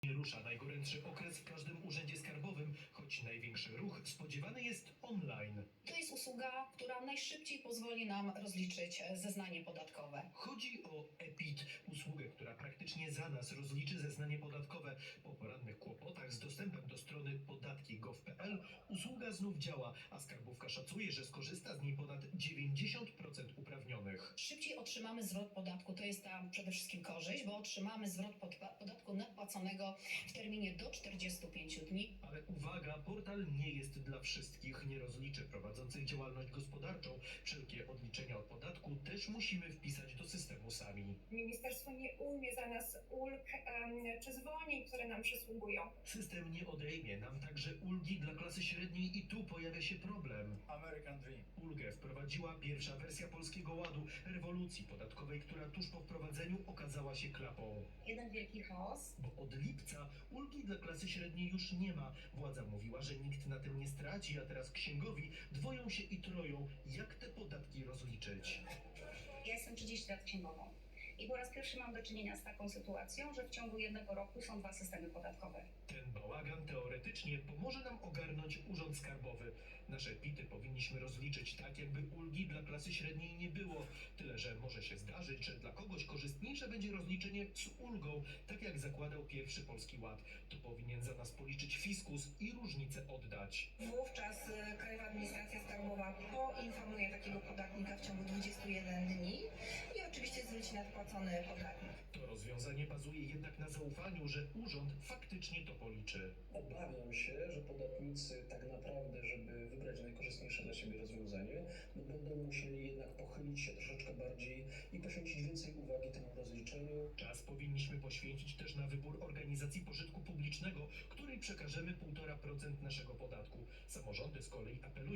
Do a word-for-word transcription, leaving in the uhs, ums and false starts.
Nie rusza najgorętszy okres w każdym urzędzie skarbowym, choć największy ruch spodziewany jest online. To jest usługa, która najszybciej pozwoli nam rozliczyć zeznanie podatkowe. Chodzi o ePIT, usługę, która praktycznie za nas rozliczy zeznanie podatkowe. Po porannych kłopotach z dostępem do strony podatki kropka gov kropka pl usługa znów działa, a skarbówka szacuje, że skorzysta z niej ponad dziewięćdziesiąt procent uprawnionych. Szybciej otrzymamy zwrot podatku, to jest ta przede wszystkim korzyść, bo otrzymamy zwrot podatku nadpłaconego w terminie do czterdziestu pięciu dni. Ale uwaga, portal nie jest dla wszystkich, nie rozliczy prowadzących działalność gospodarczą. Wszelkie odliczenia od podatku też musimy wpisać do systemu sami. Ministerstwo nie ujmie za nas ulg um, czy zwolnień, które nam przysługują. System nie odejmie nam także ulgi dla klasy średniej i tu pojawia się problem. American Dream. Ulgę wprowadziła pierwsza wersja Polskiego Ładu, rewolucji podatkowej, która tuż po wprowadzeniu okazała się klapą. Jeden wielki chaos. Bo od lipca ulgi dla klasy średniej już nie ma. Władza mówiła, że nikt na tym nie straci, a teraz księgowi dwoją się i troją, jak te podatki rozliczyć. Ja jestem trzydzieści lat księgową i po raz pierwszy mam do czynienia z taką sytuacją, że w ciągu jednego roku są dwa systemy podatkowe. Ten bałagan teoretycznie pomoże nam ogarnąć urząd skarbowy. Nasze pity powinniśmy rozliczyć tak, jakby ulgi dla klasy średniej nie było. Tyle, że może się zdarzyć, że dla kogoś korzystniejsze będzie rozliczenie z ulgą, tak jak zakładał pierwszy Polski Ład. To powinien za nas policzyć fiskus i różnicę oddać. Wówczas y, Krajowa Administracja Skarbowa poinformuje takiego podatnika w ciągu dwudziestu jeden dni i oczywiście zwróci nadpłacony podatnik. To rozwiązanie bazuje jednak na zaufaniu, że urząd faktycznie to policzy. Obawiam się, że podatnicy tak naprawdę, żeby wybrać najkorzystniejsze dla siebie rozwiązanie, no będą musieli jednak pochylić się troszeczkę bardziej i poświęcić więcej uwagi temu rozliczeniu. Czas powinniśmy poświęcić też na wybór organizacji pożytku publicznego, której przekażemy półtora procent naszego podatku. Samorządy z kolei apelują